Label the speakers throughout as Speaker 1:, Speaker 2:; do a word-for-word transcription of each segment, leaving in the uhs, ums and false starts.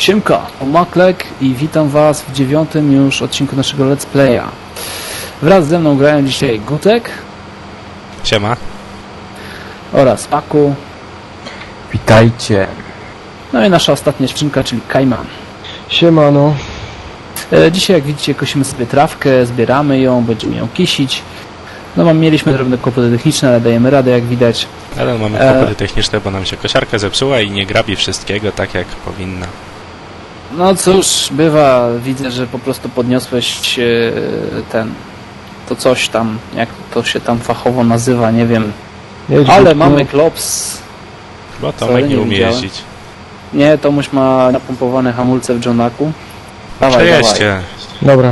Speaker 1: Siemka, Omaklek i witam was w dziewiątym już odcinku naszego Let's Playa. Wraz ze mną grają dzisiaj Gutek.
Speaker 2: Siema.
Speaker 1: Oraz Paku.
Speaker 3: Witajcie.
Speaker 1: No i nasza ostatnia skrzynka, czyli Kajman.
Speaker 3: Siemano.
Speaker 1: E, dzisiaj, jak widzicie, kosimy sobie trawkę, zbieramy ją, będziemy ją kisić. No, mieliśmy drobne kłopoty techniczne, ale dajemy radę, jak widać.
Speaker 2: Ale mamy kłopoty e... techniczne, bo nam się kosiarka zepsuła i nie grabi wszystkiego tak, jak powinna.
Speaker 1: No cóż, bywa, widzę, że po prostu podniosłeś e, ten, to coś tam, jak to się tam fachowo nazywa, nie wiem.
Speaker 3: Jedź,
Speaker 1: ale
Speaker 3: Gutku.
Speaker 1: mamy klops.
Speaker 2: Bo Tomek nie umie jeździć.
Speaker 1: Nie, Tomuś ma napompowane hamulce w Johnaku. Dawaj,
Speaker 2: Przejeźdźcie.
Speaker 3: Dobra.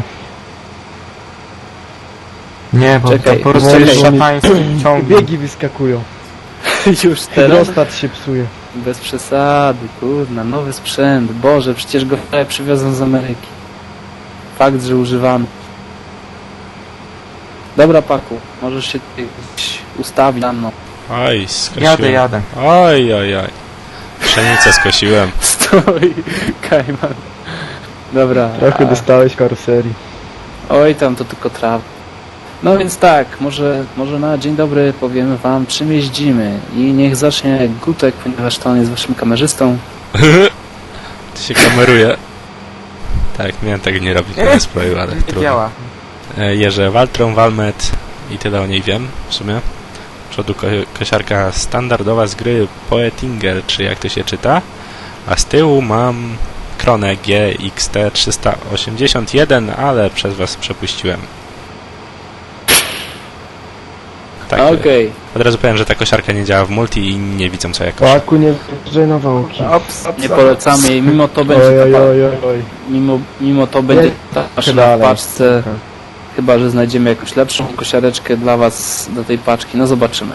Speaker 3: Nie, bo
Speaker 1: Czekaj,
Speaker 3: to porozmawiać szatański ciąg.
Speaker 4: Biegi wyskakują.
Speaker 1: Już teraz?
Speaker 4: Hydrostat się psuje.
Speaker 1: Bez przesady, kurna, nowy sprzęt. Boże, przecież go wczoraj przywiozą z Ameryki. Fakt, że używany. Dobra, Paku, możesz się tutaj ustawić na mną.
Speaker 2: Oj, skosiłem.
Speaker 3: Jadę, jadę.
Speaker 2: Oj, oj, oj. Pszenicę skosiłem.
Speaker 1: Stoi, Kajman. Dobra.
Speaker 4: Trochę
Speaker 1: a...
Speaker 4: dostałeś karoserii.
Speaker 1: Oj, tam to tylko trawa. No więc tak, może, może na dzień dobry powiemy wam, czym jeździmy. I niech zacznie Gutek, ponieważ to on jest waszym kamerzystą.
Speaker 2: Ty się kameruje. Tak, miałem tak nie robić na displayu, ale
Speaker 3: Nie
Speaker 2: trudno.
Speaker 3: działa.
Speaker 2: E, Jeżdżę Valtron, Valmet i tyle o niej wiem w sumie. Z przodu ko kosiarka standardowa z gry Poetinger, czy jak to się czyta. A z tyłu mam Kronę G X T trzysta osiemdziesiąt jeden, ale przez was przepuściłem. Tak,
Speaker 1: Okej. Okay.
Speaker 2: od razu powiem, że ta kosiarka nie działa w multi i nie widzą co ja koszę.
Speaker 4: Paku, nie wjeżdżaj na wałki.
Speaker 3: Ops,
Speaker 1: Nie polecamy jej, mimo to będzie
Speaker 4: Oj, oj,
Speaker 1: ta,
Speaker 4: oj, oj.
Speaker 1: mimo, mimo to będzie ta maszyna w
Speaker 4: dalej.
Speaker 1: paczce.
Speaker 4: Aha.
Speaker 1: Chyba że znajdziemy jakąś lepszą kosiareczkę dla was do tej paczki, no zobaczymy.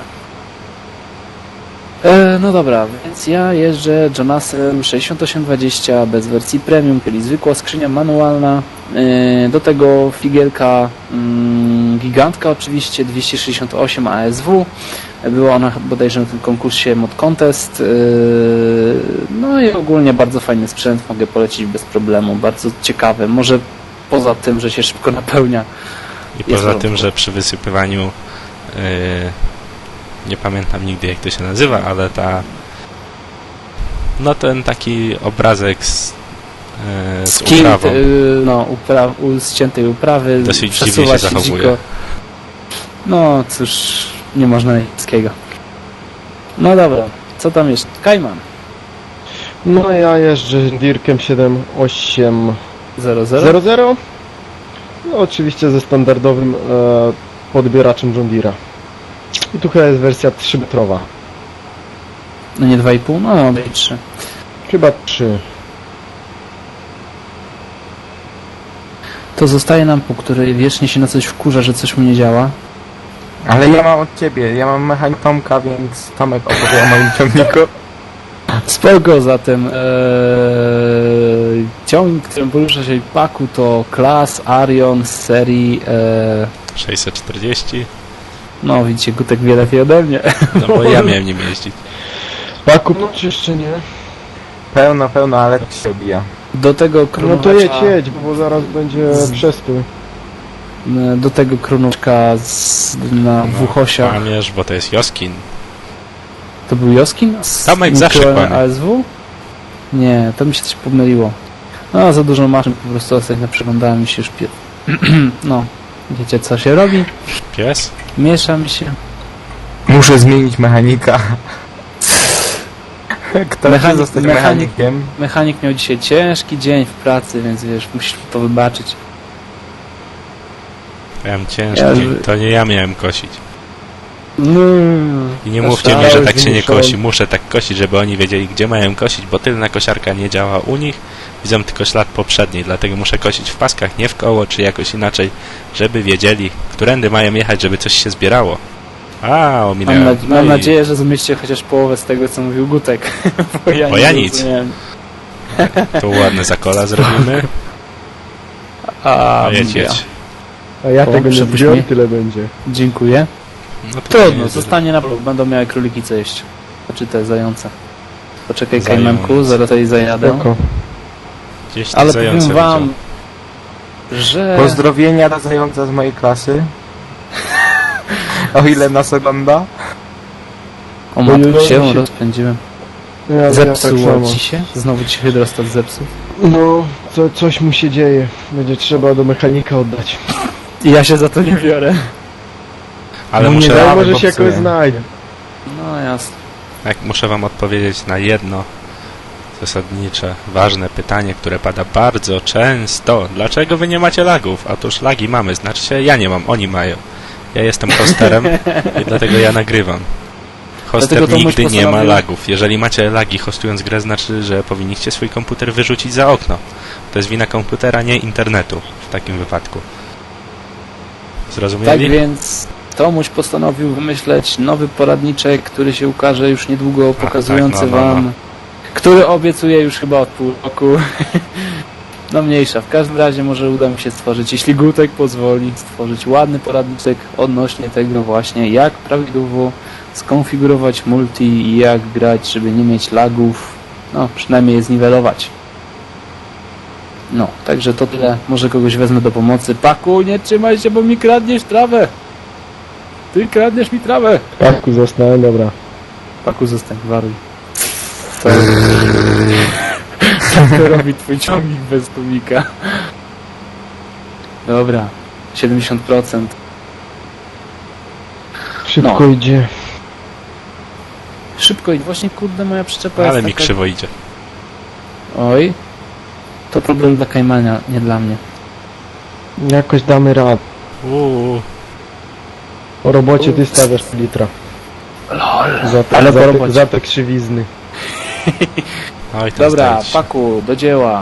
Speaker 1: E, no dobra, więc ja jeżdżę Jonasem sześćdziesiąt osiem dwadzieścia bez wersji premium, czyli zwykła skrzynia manualna. E, do tego figielka mm, gigantka oczywiście, dwieście sześćdziesiąt osiem A S W. Była ona bodajże na tym konkursie Mod Contest. E, no i ogólnie bardzo fajny sprzęt, mogę polecić bez problemu, bardzo ciekawy. Może poza tym, że się szybko napełnia.
Speaker 2: I poza tym, że przy wysypywaniu yy, nie pamiętam nigdy jak to się nazywa, ale ta no ten taki obrazek z, yy, z
Speaker 1: Skin,
Speaker 2: uprawą
Speaker 1: y, no, upra u, ściętej uprawy,
Speaker 2: dosyć dziwnie
Speaker 1: przesuwa
Speaker 2: się
Speaker 1: się
Speaker 2: zachowuje.
Speaker 1: dziko. No cóż, nie można niskiego. No dobra, co tam jest? Kajman
Speaker 4: No ja jeżdżę Dirkiem siedem osiem
Speaker 1: zero zero.
Speaker 4: zero zero. No oczywiście ze standardowym e, podbieraczem John Deere'a. I tu chyba jest wersja trzymetrowa.
Speaker 1: No nie dwa i pół, no no i trzy.
Speaker 4: Chyba trzy.
Speaker 1: To zostaje nam po której wiecznie się na coś wkurza, że coś mu nie działa.
Speaker 3: Ale ja mam od ciebie, ja mam mechanik Tomka, więc Tomek opowie o moim ciągniku.
Speaker 1: Spoko, zatem ee, ciągnik, którym porusza się Paku, to Class Arion z serii e,
Speaker 2: sześćset czterdzieści.
Speaker 1: no widzicie, Gutek wie lepiej ode mnie.
Speaker 2: No bo ja miałem nim jeździć.
Speaker 4: Paku, no czy jeszcze nie?
Speaker 3: Pełno, pełno, ale się obija.
Speaker 1: Do tego
Speaker 4: No
Speaker 1: krunówka,
Speaker 4: to jedź, jedź, bo zaraz będzie przestój.
Speaker 1: do tego krunówka z, na dwóch osiach.
Speaker 2: Kłamiesz, bo to jest Joskin.
Speaker 1: To był Joskin? Z
Speaker 2: Tomek zawsze
Speaker 1: mikro
Speaker 2: kłamie.
Speaker 1: A S W? Nie, to mi się coś pomyliło. No, za dużo maszyn po prostu ostatnio przeglądałem i się już pie... No, wiecie co się robi?
Speaker 2: Pies?
Speaker 1: Miesza mi się.
Speaker 3: Muszę zmienić mechanika. Kto
Speaker 1: Mechanik-
Speaker 3: chce zostać
Speaker 1: mechanik-
Speaker 3: mechanikiem?
Speaker 1: Mechanik miał dzisiaj ciężki dzień w pracy, więc wiesz, musisz mi to wybaczyć.
Speaker 2: Miałem ciężki
Speaker 1: Ja-
Speaker 2: dzień. To nie ja miałem kosić.
Speaker 1: No,
Speaker 2: I nie
Speaker 4: To
Speaker 2: mówcie mi,
Speaker 4: stałeś,
Speaker 2: że tak się nie
Speaker 4: wymuszałem.
Speaker 2: kosi. Muszę tak kosić, żeby oni wiedzieli, gdzie mają kosić, bo tylna kosiarka nie działa u nich. Widzą tylko ślad poprzedniej, dlatego muszę kosić w paskach, nie w koło, czy jakoś inaczej, żeby wiedzieli, którędy mają jechać, żeby coś się zbierało. A,
Speaker 1: mam,
Speaker 2: ominęłem.
Speaker 1: na,
Speaker 2: No
Speaker 1: mam
Speaker 2: i
Speaker 1: nadzieję, że zrozumiecie chociaż połowę z tego, co mówił Gutek. Bo ja,
Speaker 2: Bo
Speaker 1: nie
Speaker 2: ja nic.
Speaker 1: zrozumiałem.
Speaker 2: tu ładne zakola zrobimy.
Speaker 1: A,
Speaker 2: A jedź,
Speaker 1: ja.
Speaker 2: jedź.
Speaker 4: A ja
Speaker 1: O,
Speaker 4: tego nie
Speaker 1: przepuść
Speaker 4: wziąłem,
Speaker 1: mnie.
Speaker 4: tyle będzie.
Speaker 1: Dziękuję.
Speaker 2: No to
Speaker 1: Trudno,
Speaker 2: nie
Speaker 1: zostanie na blok, będą miały króliki co jeść. Znaczy te zające. Poczekaj,
Speaker 2: Zając.
Speaker 1: Kajmanku, zaraz tutaj zajadę.
Speaker 4: Spoko.
Speaker 2: Gdzieś tam
Speaker 1: Ale
Speaker 2: zające
Speaker 1: powiem wam,
Speaker 2: widział.
Speaker 1: że...
Speaker 3: Pozdrowienia dla zająca z mojej klasy. O ile nas ogląda.
Speaker 1: O matko,
Speaker 4: Ojej,
Speaker 1: się
Speaker 4: się-
Speaker 1: rozpędziłem.
Speaker 4: Ja, ja tak
Speaker 1: Zepsuło
Speaker 4: samo.
Speaker 1: ci się? Znowu ci się hydrostat zepsuł?
Speaker 4: No, co, coś mu się dzieje. Będzie trzeba do mechanika oddać.
Speaker 1: I ja się za to nie biorę.
Speaker 2: Ale
Speaker 3: No nie
Speaker 2: muszę,
Speaker 3: da-
Speaker 4: Ale
Speaker 3: ale
Speaker 4: może się
Speaker 3: popsuję.
Speaker 4: jakoś znajdzie.
Speaker 1: No jasne.
Speaker 2: jak muszę wam odpowiedzieć na jedno zasadnicze, ważne pytanie, które pada bardzo często. Dlaczego wy nie macie lagów? Otóż lagi mamy, znaczy się ja nie mam, oni mają. Ja jestem hosterem i dlatego ja nagrywam. Hoster
Speaker 1: Dlatego to
Speaker 2: nigdy
Speaker 1: Muś
Speaker 2: nie ma
Speaker 1: postanowił-
Speaker 2: lagów. Jeżeli macie lagi hostując grę, znaczy, że powinniście swój komputer wyrzucić za okno. To jest wina komputera, nie internetu w takim wypadku.
Speaker 1: Tak
Speaker 2: Zrozumieli?
Speaker 1: więc Tomuś postanowił wymyśleć nowy poradniczek, który się ukaże już niedługo, pokazujący
Speaker 2: tak, no, no, no.
Speaker 1: wam, który obiecuje już chyba od pół roku. No mniejsza, w każdym razie może uda mi się stworzyć, jeśli Gutek pozwoli, stworzyć ładny poradniczek odnośnie tego właśnie, jak prawidłowo skonfigurować multi i jak grać, żeby nie mieć lagów, no przynajmniej je zniwelować. No, także to tyle. Może kogoś wezmę do pomocy. Paku, nie trzymaj się, bo mi kradniesz trawę. Ty kradniesz mi trawę.
Speaker 4: Parku zostałem, dobra.
Speaker 1: Paku, zostań, waruj. Co? Co to robi twój ciągnik bez tłumika? Dobra, siedemdziesiąt procent.
Speaker 4: Szybko
Speaker 1: No.
Speaker 4: idzie.
Speaker 1: Szybko i właśnie, kurde, moja przyczepa
Speaker 2: Ale
Speaker 1: jest
Speaker 2: mi
Speaker 1: taka...
Speaker 2: krzywo idzie.
Speaker 1: Oj. To problem dla Kajmania, nie dla mnie.
Speaker 4: Jakoś damy radę.
Speaker 2: Uuu.
Speaker 4: O robocie ty stawiasz litra.
Speaker 1: Lol.
Speaker 4: Za te,
Speaker 1: Ale
Speaker 4: za
Speaker 1: po
Speaker 4: te,
Speaker 1: robocie.
Speaker 4: za te krzywizny.
Speaker 2: Oj, ten
Speaker 1: Dobra,
Speaker 2: zdajcie.
Speaker 1: Paku, do dzieła.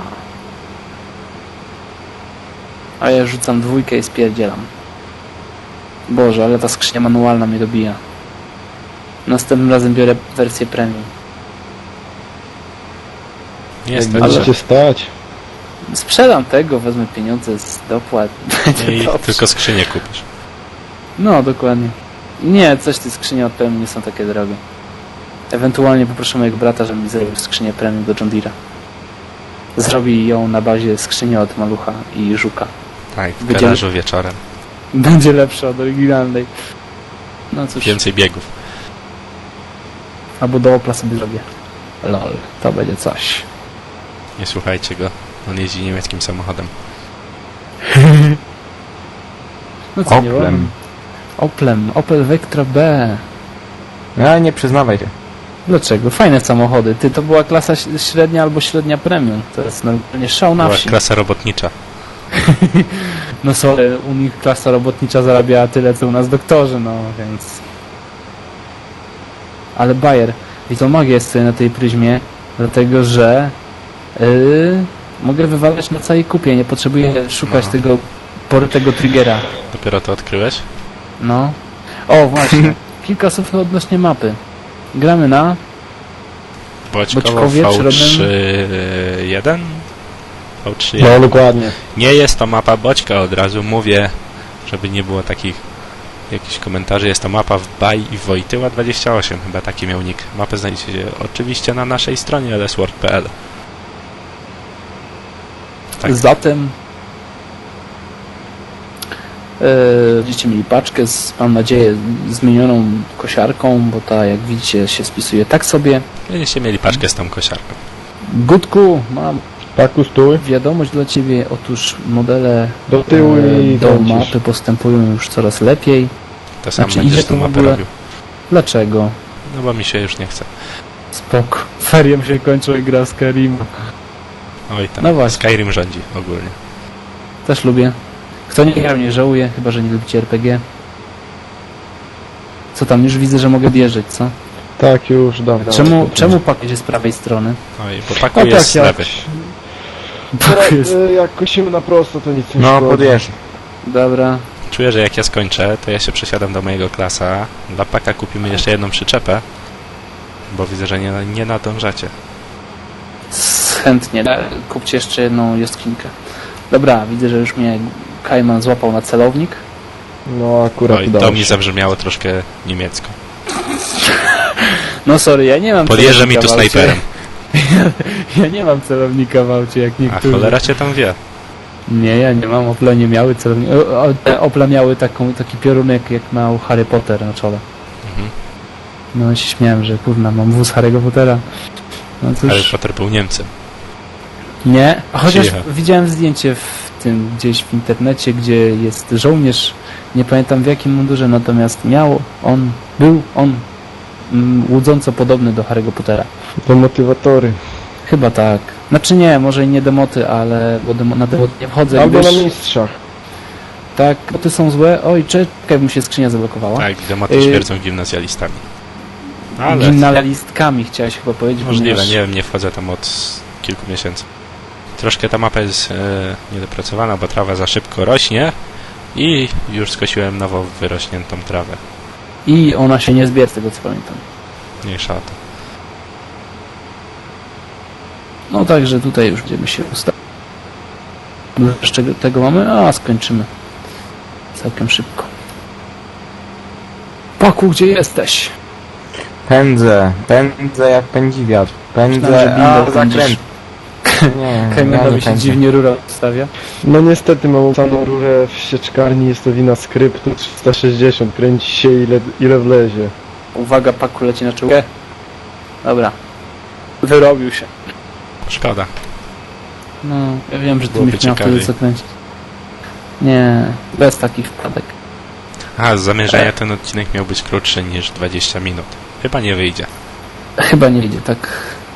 Speaker 1: A ja rzucam dwójkę i spierdzielam. Boże, ale ta skrzynia manualna mnie dobija. Następnym razem biorę wersję premium.
Speaker 2: Nie
Speaker 4: Jak
Speaker 2: stać.
Speaker 4: będziecie stać.
Speaker 1: Sprzedam tego, wezmę pieniądze z dopłat. Będzie
Speaker 2: I
Speaker 1: dobrze.
Speaker 2: tylko skrzynię kupisz.
Speaker 1: No, dokładnie. Nie, coś te skrzynie od premium nie są takie drogie. Ewentualnie poproszę mojego brata, żeby mi zrobił skrzynię premium do John Deere'a. Zrobi ją na bazie skrzyni od Malucha i Żuka.
Speaker 2: Tak, w
Speaker 1: Będzie-
Speaker 2: garażu wieczorem.
Speaker 1: Będzie lepsza od oryginalnej. No cóż,
Speaker 2: Więcej biegów.
Speaker 1: albo do Opla sobie zrobię. Lol, to będzie coś.
Speaker 2: Nie słuchajcie go. On jeździ niemieckim samochodem.
Speaker 1: No co, nie
Speaker 3: Oplem.
Speaker 1: wolno? Oplem, Opel Vectra B.
Speaker 3: No nie przyznawaj się.
Speaker 1: Dlaczego? Fajne samochody. Ty, to była klasa ś- średnia albo średnia premium. To jest normalnie szał na
Speaker 2: Była
Speaker 1: wsi.
Speaker 2: klasa robotnicza.
Speaker 1: No sorry, u nich klasa robotnicza zarabiała tyle, co u nas doktorzy, no więc... Ale Bayer, i to magia jest sobie na tej pryzmie, dlatego że yy, mogę wywalać na całej kupie, nie potrzebuję szukać
Speaker 2: No.
Speaker 1: tego porytego triggera.
Speaker 2: Dopiero to odkryłeś?
Speaker 1: No. O, właśnie. Kilka słów odnośnie mapy. Gramy na...
Speaker 2: Boćkowo
Speaker 1: Boćkowie,
Speaker 2: V
Speaker 1: czy
Speaker 2: trzy jeden? V trzy
Speaker 4: No
Speaker 2: jeden.
Speaker 4: dokładnie.
Speaker 2: Nie jest to mapa Boćka, od razu mówię, żeby nie było takich jakichś komentarzy. Jest to mapa w Baj i Wojtyła dwadzieścia osiem, chyba taki miał nick. Mapę znajdziecie oczywiście na naszej stronie l s word kropka p l. Tak.
Speaker 1: Zatem e, będziecie mieli paczkę z, mam nadzieję, zmienioną kosiarką, bo ta, jak widzicie, się spisuje tak sobie.
Speaker 2: Będziecie mieli paczkę z tą kosiarką.
Speaker 1: Gutku, mam
Speaker 4: Parku stój.
Speaker 1: wiadomość dla Ciebie. Otóż modele
Speaker 4: Do tyłu
Speaker 1: e,
Speaker 4: i
Speaker 1: do
Speaker 4: kręcisz.
Speaker 1: mapy postępują już coraz lepiej.
Speaker 2: To sam
Speaker 1: Znaczy,
Speaker 2: będziesz
Speaker 1: idzie
Speaker 2: tą
Speaker 1: to w
Speaker 2: mapę
Speaker 1: ogóle-
Speaker 2: robił.
Speaker 1: Dlaczego?
Speaker 2: No bo mi się już nie chce.
Speaker 1: Spoko. Ferie się kończą i gra z Karim.
Speaker 2: Oj tam,
Speaker 1: No właśnie.
Speaker 2: Skyrim rządzi ogólnie.
Speaker 1: Też lubię. Kto nie grał, nie żałuje, chyba że nie lubicie R P G. Co tam, już widzę, że mogę wjeżdżać, co?
Speaker 4: Tak, już dawno.
Speaker 1: Czemu, czemu pakiet jest z prawej strony?
Speaker 2: Oj, bo Paku
Speaker 4: No
Speaker 2: jest
Speaker 4: tak,
Speaker 2: z
Speaker 4: jak,
Speaker 2: lewej.
Speaker 4: teraz,
Speaker 1: Jest.
Speaker 4: e, jak kosimy na prosto, to nic nie
Speaker 3: No
Speaker 4: szkodzi.
Speaker 3: podjeżdżam.
Speaker 1: Dobra.
Speaker 2: Czuję, że jak ja skończę, to ja się przesiadam do mojego klasa. Dla Paka kupimy jeszcze jedną przyczepę, bo widzę, że nie, nie nadążacie.
Speaker 1: S- Chętnie. Da- Kupcie jeszcze jedną jostkinkę. Dobra, widzę, że już mnie Kajman złapał na celownik.
Speaker 4: No akurat
Speaker 2: Oj,
Speaker 4: udało
Speaker 2: to mi
Speaker 4: się.
Speaker 2: zabrzmiało troszkę niemiecko.
Speaker 1: No sorry, ja nie mam
Speaker 2: Podjeżdża mi
Speaker 1: celownika
Speaker 2: tu
Speaker 1: w aucie.
Speaker 2: snajperem.
Speaker 1: Ja nie mam celownika w aucie, jak
Speaker 2: A
Speaker 1: niektórzy.
Speaker 2: cholera cię tam wie.
Speaker 1: Nie, ja nie mam. Opla nie miały celownika. O, o, te Opla miały taką, taki piorunek, jak miał Harry Potter na czole.
Speaker 2: Mhm.
Speaker 1: No się śmiałem, że kurna, mam wóz Harry'ego Pottera. No cóż,
Speaker 2: Harry Potter był Niemcem.
Speaker 1: nie. Chociaż
Speaker 2: Przyjechał.
Speaker 1: widziałem zdjęcie w tym gdzieś w internecie, gdzie jest żołnierz, nie pamiętam w jakim mundurze, natomiast miał on, był on mm, łudząco podobny do Harry'ego Pottera.
Speaker 4: To motywatory.
Speaker 1: Chyba tak. Znaczy nie, może i nie demoty, ale bo demo, na demoty nie wchodzę.
Speaker 4: Albo
Speaker 1: wiesz,
Speaker 4: na mistrzach.
Speaker 1: tak, boty są złe. Oj, czekaj, mi się skrzynia zablokowała.
Speaker 2: Tak, demoty
Speaker 1: Y-
Speaker 2: śmierdzą gimnazjalistami. Ale
Speaker 1: Gimnazjalistkami chciałeś chyba powiedzieć.
Speaker 2: możliwe,
Speaker 1: ponieważ-
Speaker 2: nie wiem, nie wchodzę tam od kilku miesięcy. Troszkę ta mapa jest e, niedopracowana, bo trawa za szybko rośnie i już skosiłem nowo wyrośniętą trawę.
Speaker 1: I ona się nie zbiera, z tego co pamiętam.
Speaker 2: Mniejsza o to.
Speaker 1: No także tutaj już będziemy się ustawić. Dużo jeszcze tego mamy, a skończymy całkiem szybko. Paku, gdzie jesteś?
Speaker 3: Pędzę, pędzę jak pędzi wiatr.
Speaker 1: Myślałem, że
Speaker 3: Pędzę,
Speaker 1: bingo
Speaker 3: a
Speaker 1: pędzisz.
Speaker 3: zakręt. Nie, ja
Speaker 1: Kajmanowi
Speaker 3: nie
Speaker 1: się
Speaker 3: pędzę.
Speaker 1: dziwnie rura stawia.
Speaker 4: No niestety mam samą rurę w sieczkarni, jest to wina skryptu trzysta sześćdziesiąt, kręci się ile, ile wlezie.
Speaker 1: Uwaga, Paku leci na czołgę. Dobra. Wyrobił się.
Speaker 2: Szkoda.
Speaker 1: No, ja wiem, że ty
Speaker 2: Byłoby
Speaker 1: byś miał wtedy
Speaker 2: ciekawiej.
Speaker 1: co kręcić. Nie, bez takich wpadek.
Speaker 2: A, z zamierzenia ten odcinek miał być krótszy niż dwadzieścia minut. Chyba nie wyjdzie.
Speaker 1: Chyba nie idzie, tak.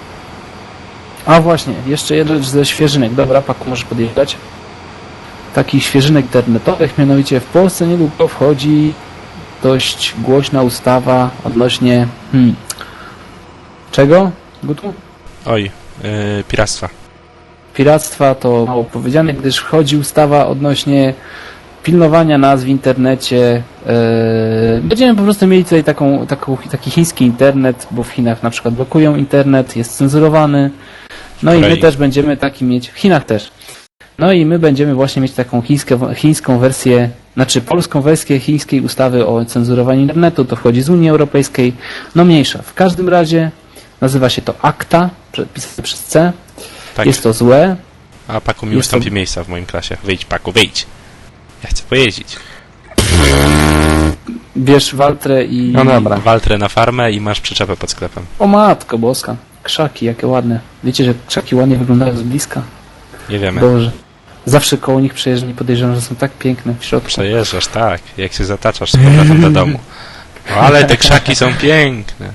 Speaker 1: A właśnie, jeszcze jedna rzecz ze świeżynek. Dobra, Paku, możesz podjechać. Takich świeżynek internetowych, mianowicie w Polsce niedługo wchodzi dość głośna ustawa odnośnie... Hmm, czego? Gutu?
Speaker 2: Oj, yy, piractwa.
Speaker 1: Piractwa to mało powiedziane, gdyż wchodzi ustawa odnośnie pilnowania nas w internecie. Yy, będziemy po prostu mieli tutaj taką, taką, taki chiński internet, bo w Chinach na przykład blokują internet, jest cenzurowany. No i my
Speaker 2: Korei.
Speaker 1: też będziemy taki mieć, w Chinach też. No i my będziemy właśnie mieć taką chińską, chińską wersję, znaczy polską wersję chińskiej ustawy o cenzurowaniu internetu, to wchodzi z Unii Europejskiej. No mniejsza. W każdym razie nazywa się to ACTA, pisane przez C.
Speaker 2: Tak.
Speaker 1: Jest to złe.
Speaker 2: A Paku mi
Speaker 1: jest
Speaker 2: ustąpi
Speaker 1: to-
Speaker 2: miejsca w moim klasie. Wyjdź, Paku, wyjdź. Ja chcę pojeździć.
Speaker 1: Bierz Waltrę i...
Speaker 3: No dobra.
Speaker 2: Waltrę na farmę i masz przyczepę pod sklepem.
Speaker 1: O matko boska. Krzaki, jakie ładne. Wiecie, że krzaki ładnie wyglądają z bliska?
Speaker 2: Nie wiemy.
Speaker 1: Boże. Zawsze koło nich przejeżdżam i podejrzewam, że są tak piękne w środku.
Speaker 2: Przejeżdżasz, tak. Jak się zataczasz z powrotem do domu. O, ale te krzaki są piękne.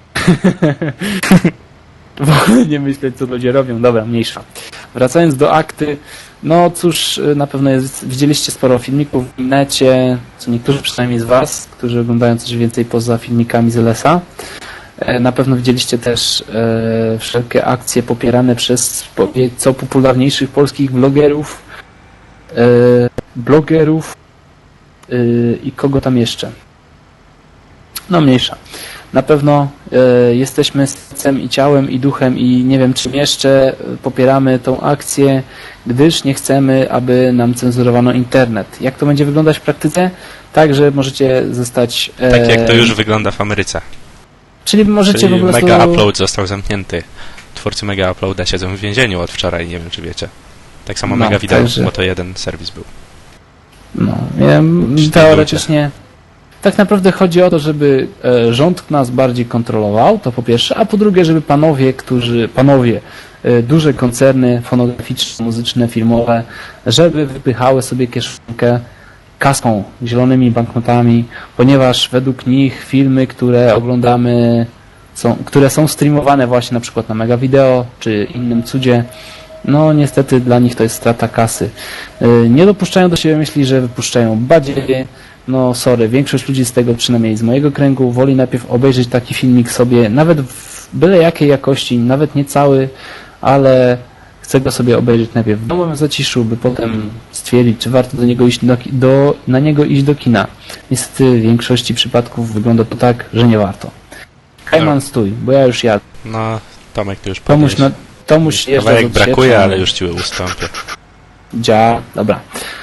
Speaker 1: W ogóle nie myśleć, co ludzie robią. Dobra, mniejsza. Wracając do akty, no cóż, na pewno jest, widzieliście sporo filmików w necie, co niektórzy przynajmniej z Was, którzy oglądają coś więcej poza filmikami z L S A. E, Na pewno widzieliście też e, wszelkie akcje popierane przez powie- co popularniejszych polskich vlogerów, e, blogerów e, i kogo tam jeszcze. No mniejsza. Na pewno e, jesteśmy sercem i ciałem i duchem i nie wiem czym jeszcze e, popieramy tą akcję, gdyż nie chcemy, aby nam cenzurowano internet. Jak to będzie wyglądać w praktyce? Tak, że możecie zostać... E,
Speaker 2: Tak jak to już wygląda w Ameryce.
Speaker 1: Czyli możecie
Speaker 2: Czyli
Speaker 1: po prostu...
Speaker 2: Mega Upload został zamknięty. Twórcy Mega Uploada siedzą w więzieniu od wczoraj, nie wiem czy wiecie. Tak samo
Speaker 1: No,
Speaker 2: Mega Video,
Speaker 1: także-
Speaker 2: bo to jeden serwis był.
Speaker 1: No, ja,
Speaker 2: Cztery
Speaker 1: teoretycznie tak naprawdę chodzi o to, żeby e, rząd nas bardziej kontrolował, to po pierwsze, a po drugie, żeby panowie, którzy, panowie, e, duże koncerny fonograficzne, muzyczne, filmowe, żeby wypychały sobie kieszonkę kasą, zielonymi banknotami, ponieważ według nich filmy, które oglądamy, są, które są streamowane właśnie na przykład na Mega Video czy innym cudzie, no niestety dla nich to jest strata kasy. Yy, Nie dopuszczają do siebie myśli, że wypuszczają badziewie. No sorry, większość ludzi z tego, przynajmniej z mojego kręgu, woli najpierw obejrzeć taki filmik sobie, nawet w byle jakiej jakości, nawet nie cały, ale chce go sobie obejrzeć najpierw w domowym zaciszu, by potem stwierdzić, czy warto do niego iść do, ki- do, na niego iść do kina. Niestety w większości przypadków wygląda to tak, że nie warto. Kajman, stój, bo ja już jadę.
Speaker 2: No, Tomek ty już
Speaker 1: Tomuś,
Speaker 2: podnieś.
Speaker 1: na, Tomuś jeżdża
Speaker 2: Kawałek
Speaker 1: od
Speaker 2: brakuje,
Speaker 1: sierpnia.
Speaker 2: ale już ci ustąpię.
Speaker 1: Dzia, dobra.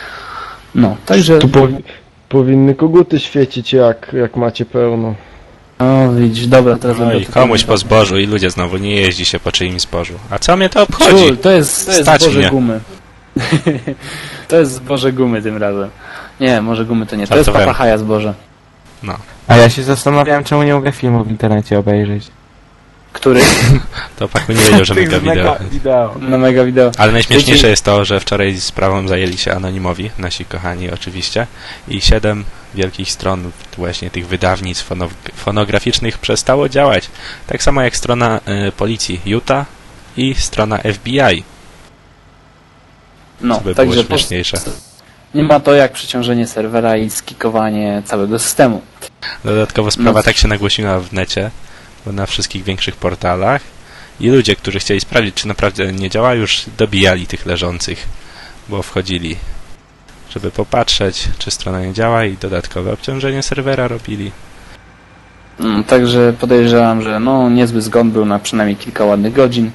Speaker 1: No, także
Speaker 4: Tu powi- powinny koguty świecić jak, jak macie pełno.
Speaker 1: O, widzisz, dobra, teraz
Speaker 2: No
Speaker 1: będę
Speaker 2: i
Speaker 1: tutaj
Speaker 2: komuś
Speaker 1: mówił.
Speaker 2: po zbożu i ludzie znowu nie jeździ się po czyimś zbożu. A co mnie to obchodzi?
Speaker 1: Ciul, to jest, to jest
Speaker 2: Stać
Speaker 1: zboże
Speaker 2: mnie.
Speaker 1: gumy. To jest zboże gumy tym razem. Nie, może gumy to nie, to jest
Speaker 2: Żartowałem.
Speaker 1: papahaja zboże.
Speaker 2: No.
Speaker 3: A ja się zastanawiałem, czemu nie mogę filmu w internecie obejrzeć.
Speaker 1: Który?
Speaker 2: To Paku nie wiedział, że
Speaker 3: Tych
Speaker 2: mega
Speaker 3: z mega
Speaker 2: wideo.
Speaker 3: wideo.
Speaker 1: Na mega wideo.
Speaker 2: Ale najśmieszniejsze
Speaker 1: Wiecie-
Speaker 2: jest to, że wczoraj sprawą zajęli się anonimowi, nasi kochani oczywiście, i siedem wielkich stron właśnie tych wydawnictw fono fonograficznych przestało działać. Tak samo jak strona y, policji Utah i strona F B I,
Speaker 1: No,
Speaker 2: co by było
Speaker 1: także po,
Speaker 2: śmieszniejsze.
Speaker 1: nie ma to jak przeciążenie serwera i skikowanie całego systemu.
Speaker 2: Dodatkowo sprawa
Speaker 1: No.
Speaker 2: tak się nagłośniła w necie, bo na wszystkich większych portalach i ludzie, którzy chcieli sprawdzić, czy naprawdę nie działa, już dobijali tych leżących, bo wchodzili, żeby popatrzeć, czy strona nie działa i dodatkowe obciążenie serwera robili.
Speaker 1: Mm, Także podejrzewam, że no niezły zgon był na przynajmniej kilka ładnych godzin.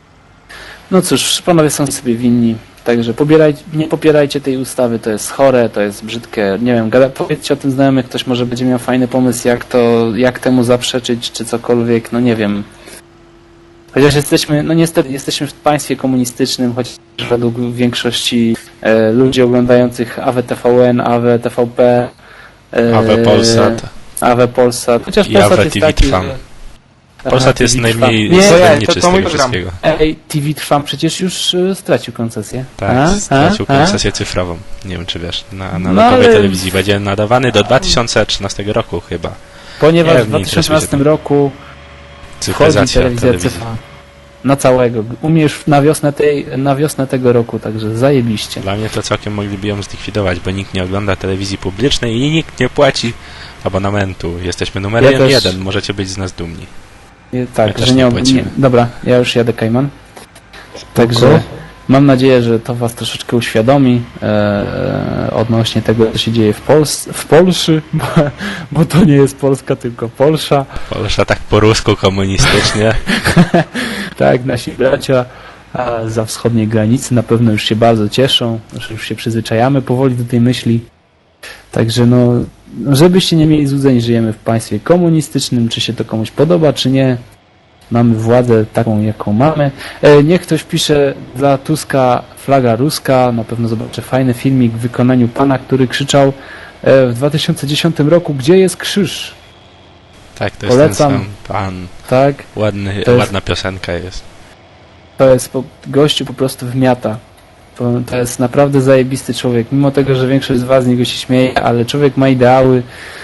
Speaker 1: No cóż, panowie są sobie winni, także pobieraj, nie popierajcie tej ustawy, to jest chore, to jest brzydkie, nie wiem, gada, powiedzcie o tym znajomych, ktoś może będzie miał fajny pomysł, jak to, jak temu zaprzeczyć, czy cokolwiek, no nie wiem. Chociaż jesteśmy, no niestety, jesteśmy w państwie komunistycznym, chociaż według większości e, ludzi oglądających A W T V N, A W T V P, e,
Speaker 2: A W Polsat
Speaker 1: A W Polsat, chociaż
Speaker 2: i
Speaker 1: Polsat
Speaker 2: A W
Speaker 1: jest
Speaker 2: T V
Speaker 1: taki,
Speaker 2: Trwam.
Speaker 1: że...
Speaker 2: Polsat
Speaker 1: Aha,
Speaker 2: jest
Speaker 1: T V Trwam.
Speaker 2: najmniej
Speaker 1: Nie,
Speaker 3: to ja-
Speaker 2: sterniczy
Speaker 3: to-
Speaker 2: z
Speaker 3: to mój
Speaker 2: tego
Speaker 3: program.
Speaker 2: wszystkiego.
Speaker 1: Ej, T V Trwam przecież już y, stracił koncesję.
Speaker 2: Tak,
Speaker 1: A?
Speaker 2: stracił
Speaker 1: A? A?
Speaker 2: koncesję cyfrową. Nie wiem, czy wiesz, na
Speaker 1: No
Speaker 2: analogowej
Speaker 1: ale-
Speaker 2: telewizji będzie nadawany do dwa tysiące trzynastego roku chyba.
Speaker 1: Ponieważ
Speaker 2: Nie,
Speaker 1: w
Speaker 2: nie
Speaker 1: dwa
Speaker 2: interesuje
Speaker 1: tysiące trzynastym
Speaker 2: się
Speaker 1: roku wchodzi
Speaker 2: Cyfryzacja
Speaker 1: telewizja
Speaker 2: telewizji.
Speaker 1: cyfrowa. Na całego. Umiesz na wiosnę, tej, na wiosnę tego roku, także zajebiście.
Speaker 2: Dla mnie to całkiem mogliby ją zlikwidować, bo nikt nie ogląda telewizji publicznej i nikt nie płaci abonamentu. Jesteśmy numerem
Speaker 1: Ja też-
Speaker 2: jeden, możecie być z nas dumni.
Speaker 1: Nie, tak,
Speaker 2: Ja też
Speaker 1: że
Speaker 2: nie
Speaker 1: nie, ob-
Speaker 2: płacimy.
Speaker 1: nie. Dobra, ja już jadę, Kajman. Także
Speaker 4: Spoko.
Speaker 1: mam nadzieję, że to was troszeczkę uświadomi e, odnośnie tego, co się dzieje w, Pols w Polsce, bo, bo to nie jest Polska, tylko Polsza.
Speaker 2: Polsza tak po rusku komunistycznie.
Speaker 1: Tak, nasi bracia a za wschodniej granicy na pewno już się bardzo cieszą, że już się przyzwyczajamy powoli do tej myśli. Także no, żebyście nie mieli złudzeń, żyjemy w państwie komunistycznym, czy się to komuś podoba, czy nie. Mamy władzę taką, jaką mamy. E, niech ktoś pisze dla Tuska flaga ruska, na pewno zobaczę fajny filmik w wykonaniu pana, który krzyczał e, w dwa tysiące dziesiątym roku, gdzie jest krzyż?
Speaker 2: Tak, to jest
Speaker 1: Polecam.
Speaker 2: ten sam pan.
Speaker 1: Tak?
Speaker 2: Ładny,
Speaker 1: To jest-
Speaker 2: ładna piosenka jest.
Speaker 1: To jest po, gościu po prostu wmiata. To, to jest naprawdę zajebisty człowiek. Mimo tego, że większość z was z niego się śmieje, ale człowiek ma ideały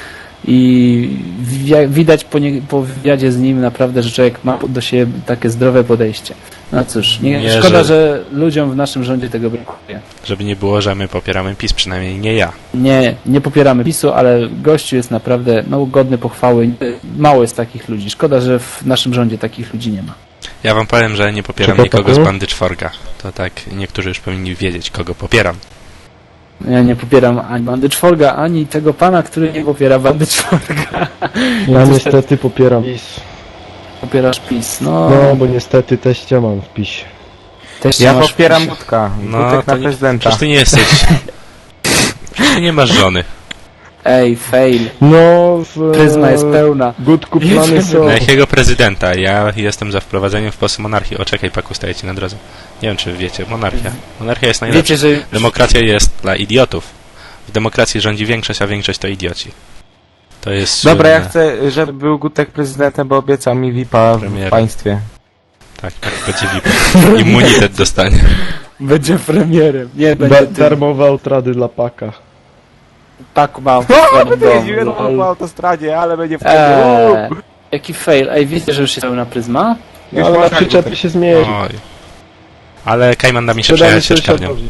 Speaker 1: i wi- widać po, nie, po wywiadzie z nim naprawdę, że człowiek ma do siebie takie zdrowe podejście. No cóż, nie,
Speaker 2: Nie,
Speaker 1: szkoda,
Speaker 2: że-
Speaker 1: że ludziom w naszym rządzie tego brakuje.
Speaker 2: Żeby nie było, że my popieramy PiS, przynajmniej nie ja.
Speaker 1: Nie, nie popieramy PiSu, ale gościu jest naprawdę no, godny pochwały. Mało jest takich ludzi. Szkoda, że w naszym rządzie takich ludzi nie ma.
Speaker 2: Ja wam powiem, że nie popieram
Speaker 4: Czego,
Speaker 2: nikogo z
Speaker 4: Paku?
Speaker 2: bandy czworga. To tak, niektórzy już powinni wiedzieć, kogo popieram.
Speaker 1: Ja nie popieram ani bandy czworga, ani tego pana, który nie popiera bandy czworga.
Speaker 4: Ja niestety popieram PiS.
Speaker 1: Popierasz PiS. No,
Speaker 4: No, bo niestety teścia mam w PiS.
Speaker 1: też
Speaker 3: Ja
Speaker 1: masz
Speaker 3: popieram
Speaker 1: PiS.
Speaker 3: Budka.
Speaker 2: No,
Speaker 3: Budek
Speaker 2: to
Speaker 3: na
Speaker 2: nie-
Speaker 3: prezydenta.
Speaker 2: Przecież ty nie jesteś... Przecież ty nie masz żony.
Speaker 1: Ej, fail.
Speaker 4: No, w...
Speaker 1: Pryzma jest pełna.
Speaker 4: Gutku plany
Speaker 1: Jedziemy.
Speaker 4: są.
Speaker 2: Na jakiego prezydenta? Ja jestem za wprowadzeniem w Polsce monarchii. O, czekaj, Paku, staje ci na drodze. Nie wiem, czy wiecie. Monarchia. Monarchia jest najlepsza.
Speaker 1: Wiecie, że
Speaker 2: Demokracja jest dla idiotów. W demokracji rządzi większość, a większość to idioci. To jest
Speaker 3: Dobra, ja
Speaker 2: słynne.
Speaker 3: chcę, żeby był Gutek prezydentem, bo obiecał mi V I P-a w
Speaker 2: Premiera.
Speaker 3: państwie.
Speaker 2: Tak, tak, będzie V I P. Immunitet dostanie.
Speaker 1: będzie premierem. Nie,
Speaker 4: Da
Speaker 1: będzie tym.
Speaker 4: darmowe outrady dla Paka.
Speaker 1: Paku mam w
Speaker 3: O,
Speaker 1: swoim
Speaker 3: będę jeździł
Speaker 1: domu.
Speaker 3: po
Speaker 1: Lol.
Speaker 3: autostradzie, ale będzie wtedy.
Speaker 1: Eee, jaki fail. Ej, wiecie, że już jest pełna pryzma?
Speaker 4: No, ale na
Speaker 3: można
Speaker 4: przyczepie
Speaker 3: Gutek.
Speaker 4: się zmierzy.
Speaker 2: Oj. Ale Kajman da mi się
Speaker 4: Sprzedamy
Speaker 2: przejechać się szkarnią.
Speaker 4: sąsiadowi.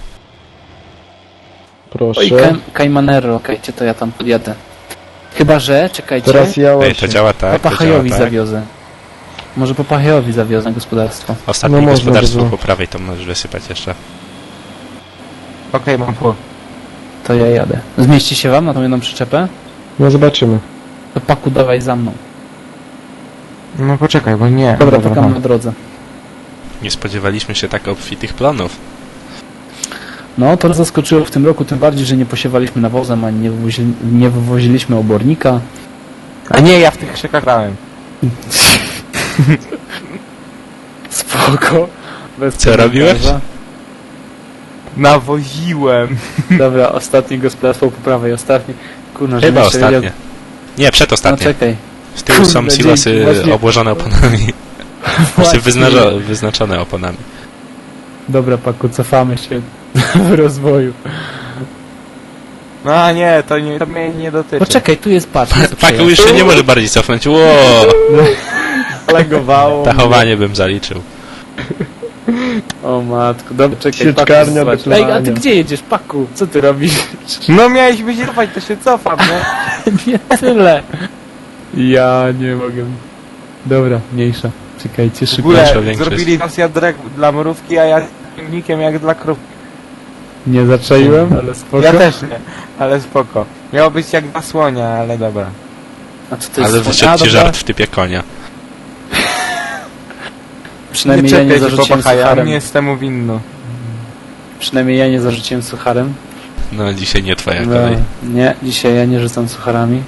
Speaker 1: Oj,
Speaker 4: Proszę.
Speaker 1: Kaj- Kajmanero, okejcie, to ja tam podjadę. Chyba, że, czekajcie,
Speaker 4: Teraz ja
Speaker 2: Ej, to
Speaker 4: właśnie.
Speaker 2: działa tak, to działa
Speaker 1: Papachajowi
Speaker 2: tak.
Speaker 1: zawiozę. Może Papachajowi zawiozę gospodarstwo.
Speaker 2: Ostatnie
Speaker 4: No można
Speaker 2: gospodarstwo
Speaker 4: by było.
Speaker 2: po prawej to możesz wysypać jeszcze.
Speaker 3: Okej, mam pół.
Speaker 1: To ja jadę. Zmieści się wam na tą jedną przyczepę?
Speaker 4: No zobaczymy.
Speaker 1: To Paku, dawaj za mną.
Speaker 3: No poczekaj, bo nie.
Speaker 1: Dobra, czekam
Speaker 3: mam.
Speaker 1: na drodze.
Speaker 2: Nie spodziewaliśmy się tak obfitych plonów.
Speaker 1: No, to nas zaskoczyło w tym roku, tym bardziej, że nie posiewaliśmy nawozem, ani nie, wywozi, nie wywoziliśmy obornika.
Speaker 3: A nie, ja w tych krzykach grałem.
Speaker 1: Spoko. Bez
Speaker 2: Co robiłeś?
Speaker 1: komentarza.
Speaker 3: Nawoziłem.
Speaker 1: Dobra, ostatni gospodarstwo po prawej, ostatni. Kurna,
Speaker 2: Chyba
Speaker 1: żebym jeszcze
Speaker 2: ostatnie.
Speaker 1: wiedział-
Speaker 2: Nie,
Speaker 1: No
Speaker 2: przedostatnie.
Speaker 1: czekaj.
Speaker 2: Z tyłu są
Speaker 1: Kurde,
Speaker 2: silosy
Speaker 1: dzięki, właśnie-
Speaker 2: obłożone oponami. Znaczy
Speaker 1: Właśnie.
Speaker 2: wyznaczo- wyznaczone oponami.
Speaker 1: Dobra, Paku, cofamy się w rozwoju.
Speaker 3: No a nie, to, nie, to mnie nie dotyczy.
Speaker 1: Poczekaj, tu jest patrz. jest
Speaker 2: Paku już
Speaker 1: przejazd.
Speaker 2: się nie może bardziej cofnąć. Ło!
Speaker 3: Legowało.
Speaker 2: Tachowanie bym zaliczył.
Speaker 1: O matko, dobra, czekaj.
Speaker 4: Sieczkarnia
Speaker 1: Paku,
Speaker 4: do
Speaker 1: zobacz. Ej, a ty
Speaker 4: klania.
Speaker 1: gdzie jedziesz, Paku? Co ty robisz?
Speaker 3: No miałeś być cofać, to się cofam, nie?
Speaker 1: Nie tyle. Ja nie mogę. Dobra, mniejsza. Czekajcie,
Speaker 3: W
Speaker 1: szybko.
Speaker 3: ogóle
Speaker 2: Nasza większość.
Speaker 3: zrobili nas jadrek dla mrówki, a ja filmikiem jak dla krów.
Speaker 1: Nie zaczaiłem, ale spoko.
Speaker 3: Ja też nie, ale spoko. Miało być jak dla słonia, ale dobra.
Speaker 1: A co to jest?
Speaker 2: Ale
Speaker 1: A,
Speaker 2: wyszedł ci
Speaker 1: dobra.
Speaker 2: żart w typie konia.
Speaker 1: Przynajmniej ja nie
Speaker 3: czepiaj się,
Speaker 1: zarzuciłem
Speaker 3: popachaja,
Speaker 1: sucharem.
Speaker 3: nie jestem mu winny.
Speaker 1: Przynajmniej ja nie zarzuciłem sucharem.
Speaker 2: No dzisiaj nie twoja
Speaker 1: No,
Speaker 2: kolej.
Speaker 1: nie, dzisiaj ja nie rzucam sucharami.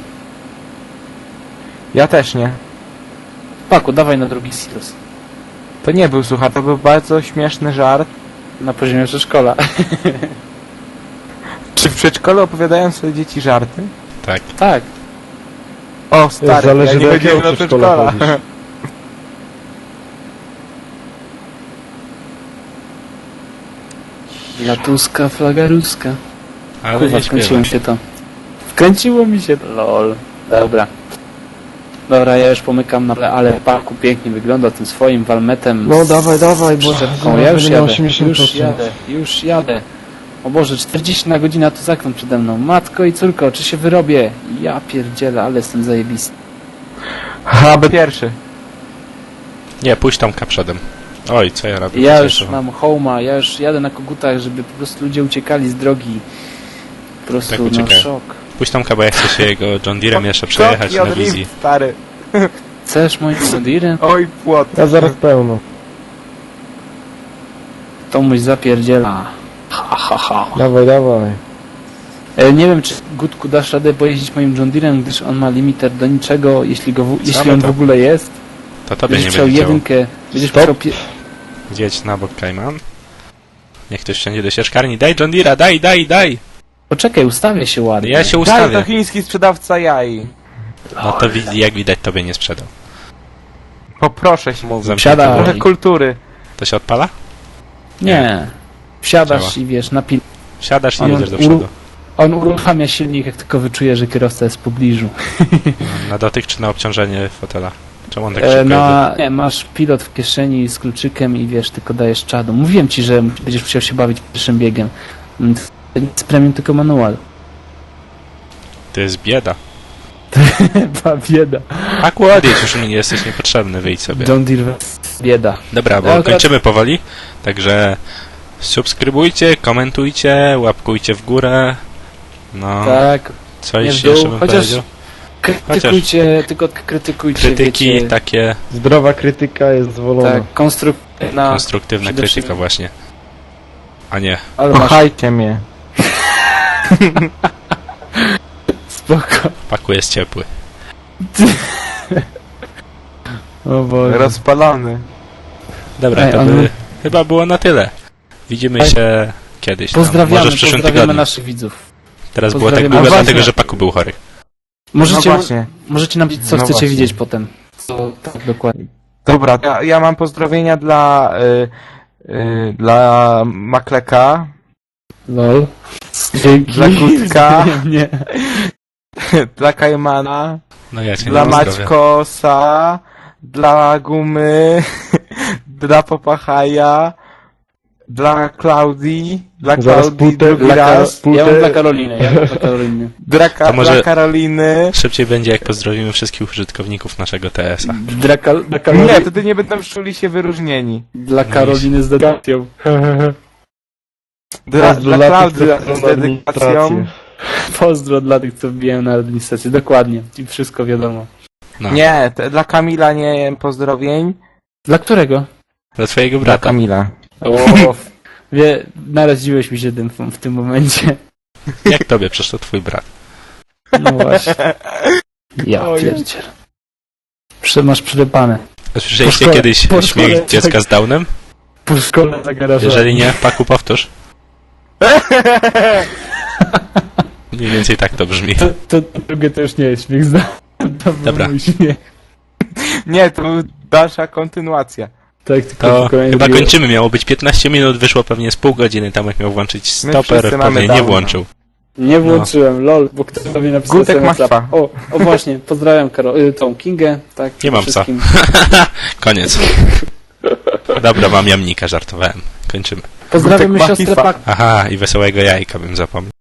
Speaker 3: Ja też nie.
Speaker 1: Paku, dawaj na drugi silos.
Speaker 3: To nie był suchar, to był bardzo śmieszny żart.
Speaker 1: Na poziomie przedszkola.
Speaker 3: Czy w przedszkolu opowiadają sobie dzieci żarty?
Speaker 2: Tak.
Speaker 1: Tak.
Speaker 3: O, stary,
Speaker 4: Zależy
Speaker 3: ja nie
Speaker 4: do
Speaker 3: chodziłem
Speaker 4: jakiego
Speaker 3: do
Speaker 4: przedszkola
Speaker 3: przedszkola.
Speaker 4: chodzisz.
Speaker 1: Latuska, flaga ruska.
Speaker 2: Ale
Speaker 1: Kurwa,
Speaker 2: nie
Speaker 1: wkręciło mi
Speaker 2: śpiewasz.
Speaker 1: się to. Wkręciło mi się to. Lol. Dobra. Dobra, ja już pomykam na tle, ale Paku pięknie wygląda tym swoim walmetem.
Speaker 4: No
Speaker 1: z
Speaker 4: dawaj, dawaj, bo
Speaker 1: przyczepką. Ja już
Speaker 4: będę miał
Speaker 1: jadę,
Speaker 4: osiemdziesiąt
Speaker 1: już
Speaker 4: procent.
Speaker 1: jadę, już jadę. O Boże, czterdzieści na godzinę, a tu zakręt przede mną. Matko i córko, czy się wyrobię? Ja pierdzielę, ale jestem zajebisty.
Speaker 3: Aby pierwszy.
Speaker 2: Nie, pójdź Tomka przodem. Oj, co ja robię?
Speaker 1: Ja
Speaker 2: Co
Speaker 1: już
Speaker 2: to?
Speaker 1: mam home'a, ja już jadę na kogutach, żeby po prostu ludzie uciekali z drogi. Po prostu,
Speaker 2: Tak
Speaker 1: no
Speaker 2: uciekają.
Speaker 1: szok.
Speaker 2: Pójdź Tomka, bo ja chcę się jego John Deerem jeszcze przejechać
Speaker 3: Kroki
Speaker 2: na
Speaker 3: od
Speaker 2: wizji.
Speaker 3: lift, stary.
Speaker 1: Chcesz moim Sondirem?
Speaker 3: Oj, płot.
Speaker 4: Ja zaraz pełno.
Speaker 1: To mój zapierdziela. Ha, ha, ha.
Speaker 4: Dawaj, dawaj.
Speaker 1: E, nie wiem, czy Gutku dasz radę pojeździć moim John Deerem, gdyż on ma limiter do niczego, jeśli, go w, jeśli
Speaker 2: no
Speaker 1: on
Speaker 2: to-
Speaker 1: w ogóle jest.
Speaker 2: To tobie
Speaker 1: Będziesz
Speaker 2: nie
Speaker 1: musiał
Speaker 2: będzie działo.
Speaker 1: jedynkę, będziesz
Speaker 4: Stop.
Speaker 1: musiał... Pie...
Speaker 2: Zjedź na bok, Kajman. Niech ktoś wsiądzie do sieczkarni. Daj John Deera, daj, daj, daj!
Speaker 1: Poczekaj, ustawię się ładnie.
Speaker 2: Ja się
Speaker 3: Daj,
Speaker 2: ustawię.
Speaker 3: to chiński sprzedawca jaj.
Speaker 2: No to wi- jak widać tobie nie sprzedał.
Speaker 3: Poproszę się mówić.
Speaker 2: Zamknięty
Speaker 1: Wsiadaj.
Speaker 2: wór.
Speaker 3: Trochę kultury.
Speaker 2: To się odpala?
Speaker 1: Nie. Wsiadasz
Speaker 2: Działa.
Speaker 1: i wiesz, napil...
Speaker 2: Wsiadasz i
Speaker 1: On-
Speaker 2: jedziesz do
Speaker 1: uru-
Speaker 2: przodu.
Speaker 1: On uruchamia silnik, jak tylko wyczuje, że kierowca jest w pobliżu.
Speaker 2: Na dotyk czy na obciążenie fotela? Czemu on tak
Speaker 1: E,
Speaker 2: szybko jedzie?
Speaker 1: na... Nie, masz pilot w kieszeni z kluczykiem i wiesz, tylko dajesz czadu. Mówiłem ci, że będziesz musiał się bawić pierwszym biegiem. Mm, To nie jest premium, tylko manual.
Speaker 2: To jest bieda.
Speaker 1: Chyba bieda.
Speaker 2: Aku, odjedź, już mi nie jesteś niepotrzebny, wyjdź sobie.
Speaker 1: John Deere bieda.
Speaker 2: Dobra, bo
Speaker 1: Ja akurat-
Speaker 2: kończymy powoli, także subskrybujcie, komentujcie, łapkujcie w górę. No,
Speaker 1: Tak.
Speaker 2: coś
Speaker 1: nie w
Speaker 2: jeszcze
Speaker 1: dół,
Speaker 2: bym
Speaker 1: chociaż-
Speaker 2: powiedział.
Speaker 1: Krytykujcie, tylko krytykujcie,
Speaker 2: Krytyki
Speaker 1: wiecie,
Speaker 2: takie,
Speaker 4: Zdrowa krytyka jest zwolona.
Speaker 1: tak, konstruktywna,
Speaker 2: konstruktywna
Speaker 1: przede
Speaker 2: krytyka
Speaker 1: wszystkim-
Speaker 2: właśnie. A nie,
Speaker 1: ale masz
Speaker 3: Kochajcie mnie.
Speaker 1: spoko.
Speaker 2: Paku jest ciepły.
Speaker 1: O Boże.
Speaker 3: Rozpalony.
Speaker 2: Dobra,
Speaker 1: Ej,
Speaker 2: to
Speaker 1: on-
Speaker 2: by chyba było na tyle. Widzimy
Speaker 1: Ej,
Speaker 2: się kiedyś tam,
Speaker 1: Pozdrawiamy,
Speaker 2: może w przyszłym
Speaker 1: pozdrawiamy
Speaker 2: tygodniu.
Speaker 1: naszych widzów.
Speaker 2: Teraz było tak
Speaker 1: pozdrawiamy
Speaker 2: długo,
Speaker 3: naszych-
Speaker 2: dlatego że Paku był chory.
Speaker 1: Możecie,
Speaker 3: No właśnie.
Speaker 1: możecie nam powiedzieć, co
Speaker 3: No
Speaker 1: chcecie
Speaker 3: właśnie.
Speaker 1: widzieć potem. Co, tak, dokładnie.
Speaker 3: Dobra, ja, ja mam pozdrowienia dla... Y, y, dla Makleka.
Speaker 1: Lol. Dzięki.
Speaker 3: Dla Gutka.
Speaker 1: Nie, nie.
Speaker 3: Dla Kajmana.
Speaker 2: No ja cię
Speaker 3: Dla
Speaker 2: nie pozdrowię.
Speaker 3: Maćkosa. Dla Gumy. Dla Popachaja. Dla Klaudii. Dla
Speaker 4: Zaraz
Speaker 3: Klaudii
Speaker 4: putę-
Speaker 3: drugi
Speaker 4: dla
Speaker 3: raz.
Speaker 1: Ja mam
Speaker 4: Putę-
Speaker 1: dla Karoliny, ja mam dla Karoliny.
Speaker 3: Dla, Ka-
Speaker 2: To może-
Speaker 3: dla Karoliny.
Speaker 2: Szybciej będzie, jak pozdrowimy wszystkich użytkowników naszego T S a.
Speaker 1: Dla, Kal- dla, Karoli-
Speaker 3: Nie, wtedy nie będą czuli się wyróżnieni.
Speaker 1: dla Karoliny z dedykacją.
Speaker 3: Dla,
Speaker 4: Pozdro
Speaker 3: dla
Speaker 4: dla tych,
Speaker 3: Klaudii
Speaker 4: co
Speaker 3: z
Speaker 4: na administrację.
Speaker 3: dedykacją.
Speaker 1: Pozdro dla tych, co wbijają na administrację. Dokładnie. I wszystko wiadomo.
Speaker 2: No,
Speaker 3: Nie, te, dla Kamila nie pozdrowień.
Speaker 1: Dla którego?
Speaker 2: dla twojego
Speaker 3: Dla
Speaker 2: brata.
Speaker 3: Kamila.
Speaker 1: O, wie, naraziłeś mi się tym w tym momencie.
Speaker 2: Jak tobie? Przecież to twój brat.
Speaker 1: No właśnie. Ja
Speaker 3: Oj.
Speaker 1: pierdziel. Prze- Masz przyrypane.
Speaker 2: A Słyszeliście
Speaker 1: szkole-
Speaker 2: kiedyś
Speaker 1: po
Speaker 2: śmiech
Speaker 1: szkole,
Speaker 2: dziecka
Speaker 1: tak.
Speaker 2: z Downem?
Speaker 1: Po szkole zagarażowałem.
Speaker 2: Jeżeli nie, Paku powtórz. Mniej więcej tak to brzmi.
Speaker 1: To, to, to drugie to już nie jest śmiech, zda. To był
Speaker 2: Dobra.
Speaker 1: mój śmiech.
Speaker 3: Nie, to była dalsza kontynuacja.
Speaker 1: Tak, tylko,
Speaker 2: To
Speaker 1: tylko ja
Speaker 2: chyba
Speaker 1: mówię-
Speaker 2: kończymy. Miało być piętnaście minut, wyszło pewnie z pół godziny. Tomek miał włączyć stoper,
Speaker 3: wszyscy mamy
Speaker 2: pewnie nie
Speaker 3: Downa.
Speaker 2: włączył.
Speaker 1: Nie włączyłem, lol, bo ktoś do mnie napisał
Speaker 3: Gutek
Speaker 1: sobie na
Speaker 3: masz
Speaker 1: WhatsApp.
Speaker 3: psa.
Speaker 1: O, o właśnie, pozdrawiam Karo- y, tą Kingę, tak,
Speaker 2: Nie mam psa.
Speaker 1: wszystkim.
Speaker 2: Koniec. Dobra, mam jamnika, żartowałem. Kończymy.
Speaker 1: Pozdrawiamy
Speaker 3: Gutek ma
Speaker 1: siostrę
Speaker 3: hifa.
Speaker 1: Pak.
Speaker 2: Aha, i wesołego jajka bym zapomniał.